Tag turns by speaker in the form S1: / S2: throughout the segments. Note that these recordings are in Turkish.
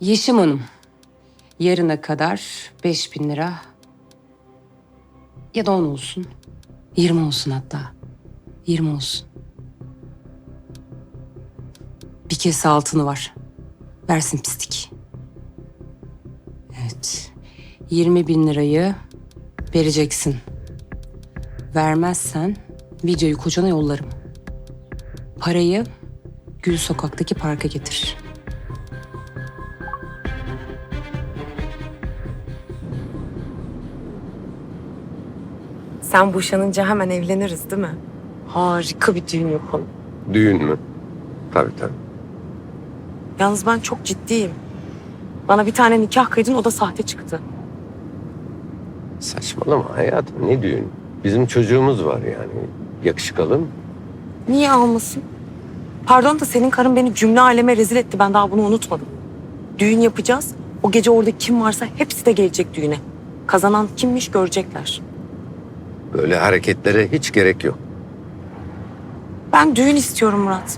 S1: Yeşim Hanım, yarına kadar 5.000 lira ya da 10 olsun, 20 olsun hatta. 20 olsun. Bir kese altını var. Versin pislik. Evet. 20.000 lirayı vereceksin. Vermezsen videoyu kocana yollarım. Parayı Gül Sokak'taki parka getir.
S2: Sen boşanınca hemen evleniriz değil mi? Harika bir düğün yapalım.
S3: Düğün mü? Tabii tabii.
S2: Yalnız ben çok ciddiyim. Bana bir tane nikah kıydın, o da sahte çıktı.
S3: Saçmalama hayatım, ne düğün? Bizim çocuğumuz var yani. Yakışık mı?
S2: Niye almasın? Pardon da senin karın beni cümle aleme rezil etti. Ben daha bunu unutmadım. Düğün yapacağız. O gece orada kim varsa hepsi de gelecek düğüne. Kazanan kimmiş görecekler.
S3: Böyle hareketlere hiç gerek yok.
S2: Ben düğün istiyorum Murat.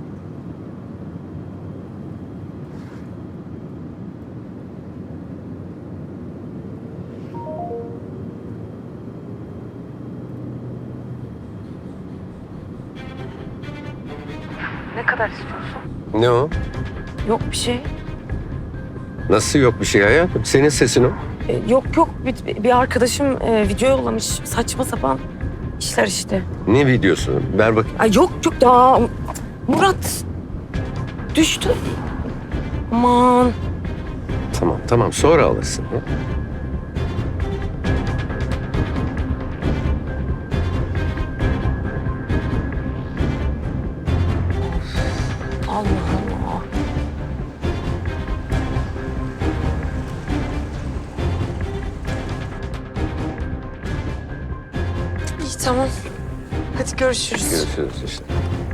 S2: Ne kadar istiyorsun?
S3: Ne o?
S2: Yok bir şey.
S3: Nasıl yok bir şey hayatım? Senin sesin o.
S2: Yok bir arkadaşım video yollamış. Saçma sapan işler işte.
S3: Ne videosu? Ver bakayım.
S2: Ay yok daha Murat düştü. Aman.
S3: Tamam sonra alırsın. Ya.
S2: Allah Allah. İyi tamam. Hadi görüşürüz.
S3: Görüşürüz işte.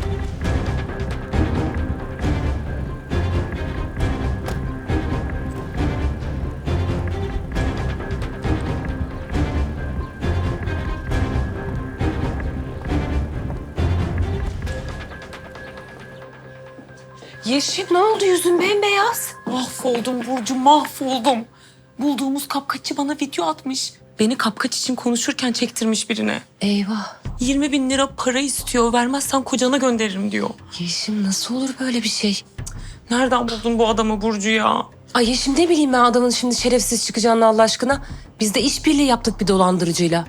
S1: Yeşim ne oldu, yüzün bembeyaz?
S2: Mahvoldum Burcu, mahvoldum. Bulduğumuz kapkaççı bana video atmış. Beni kapkaç için konuşurken çektirmiş birine.
S1: Eyvah.
S2: 20.000 lira para istiyor. Vermezsen kocana gönderirim diyor.
S1: Yeşim nasıl olur böyle bir şey?
S2: Nereden buldun bu adamı Burcu ya?
S1: Ay Yeşim ne bileyim ben adamın şimdi şerefsiz çıkacağını Allah aşkına. Biz de işbirliği yaptık bir dolandırıcıyla.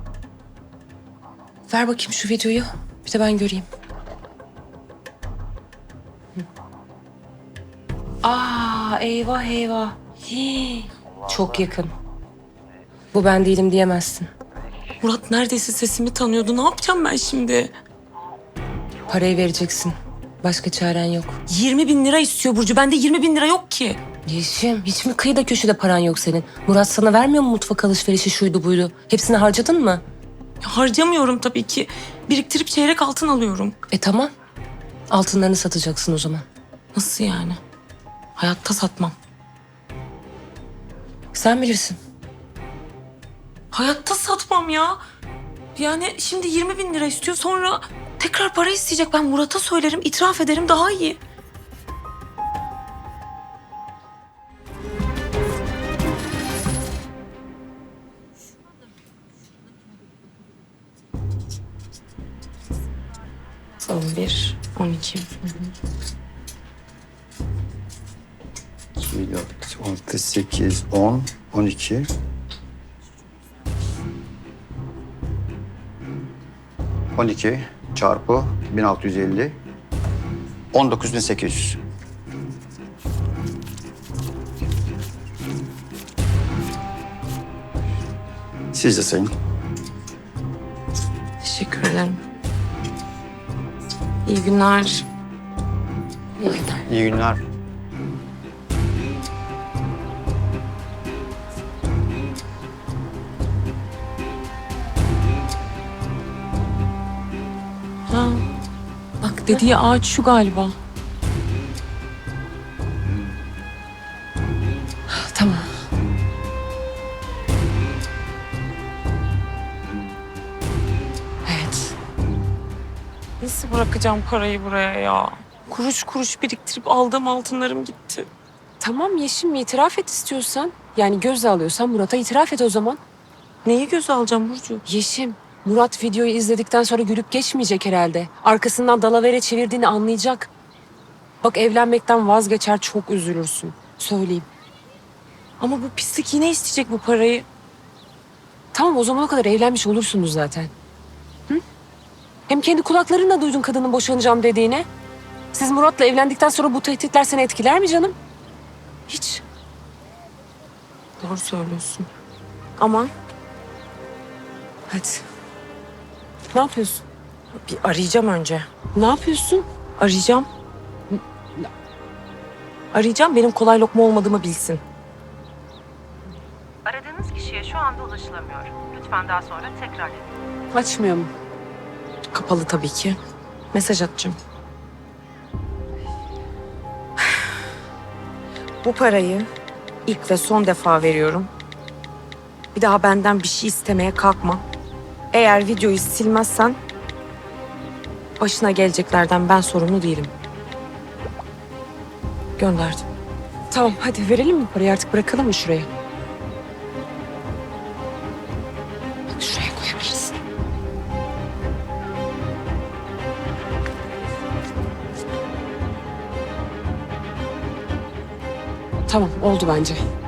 S1: Ver bakayım şu videoyu. Bir de ben göreyim. Aa eyvah eyvah. Hii, çok yakın. Bu ben değilim diyemezsin.
S2: Murat neredeyse sesimi tanıyordu. Ne yapacağım ben şimdi?
S1: Parayı vereceksin. Başka çaren yok.
S2: 20.000 lira istiyor Burcu. Bende 20.000 lira yok ki.
S1: Yeşim hiç mi kıyıda köşede paran yok senin? Murat sana vermiyor mu mutfak alışverişi şuydu buydu? Hepsini harcadın mı?
S2: Ya harcamıyorum tabii ki. Biriktirip çeyrek altın alıyorum.
S1: Tamam. Altınlarını satacaksın o zaman.
S2: Nasıl yani? Hayatta satmam.
S1: Sen bilirsin.
S2: Hayatta satmam ya. Yani şimdi 20.000 lira istiyor, sonra tekrar para isteyecek. Ben Murat'a söylerim, itiraf ederim, daha iyi. Son 1, 12.
S4: 2, 4, 6, 8, 10, 12. 12 çarpı 1650. 19.800. Siz de sayın.
S2: Teşekkür ederim. İyi günler.
S1: İyi günler.
S4: İyi günler.
S2: Ha. Bak dediği ağaç şu galiba.
S1: Tamam. Evet.
S2: Nasıl bırakacağım parayı buraya ya? Kuruş kuruş biriktirip aldığım altınlarım gitti.
S1: Tamam Yeşim, itiraf et istiyorsan. Yani göze alıyorsan Murat'a itiraf et o zaman.
S2: Neyi göze alacağım Burcu?
S1: Yeşim, Murat videoyu izledikten sonra gülüp geçmeyecek herhalde. Arkasından dalavere çevirdiğini anlayacak. Bak evlenmekten vazgeçer, çok üzülürsün. Söyleyeyim.
S2: Ama bu pislik yine isteyecek bu parayı.
S1: Tamam, o zamana kadar evlenmiş olursunuz zaten. Hı? Hem kendi kulaklarınla duydun kadının boşanacağım dediğini. Siz Murat'la evlendikten sonra bu tehditler seni etkiler mi canım? Hiç.
S2: Doğru söylüyorsun. Ama
S1: Hadi. Ne yapıyorsun?
S2: bir arayacağım önce.
S1: Ne yapıyorsun?
S2: Arayacağım. Arayacağım, benim kolay lokma olmadığımı bilsin.
S5: Aradığınız kişiye şu anda ulaşılamıyor. Lütfen daha sonra tekrar edin.
S1: Açmıyor mu?
S2: Kapalı tabii ki. Mesaj atacağım. Bu parayı ilk ve son defa veriyorum. Bir daha benden bir şey istemeye kalkma. Eğer videoyu silmezsen başına geleceklerden ben sorumlu değilim. Gönderdim.
S1: Tamam, hadi verelim mi parayı, artık bırakalım mı şuraya? Bak şuraya koyabiliriz. Tamam, oldu bence.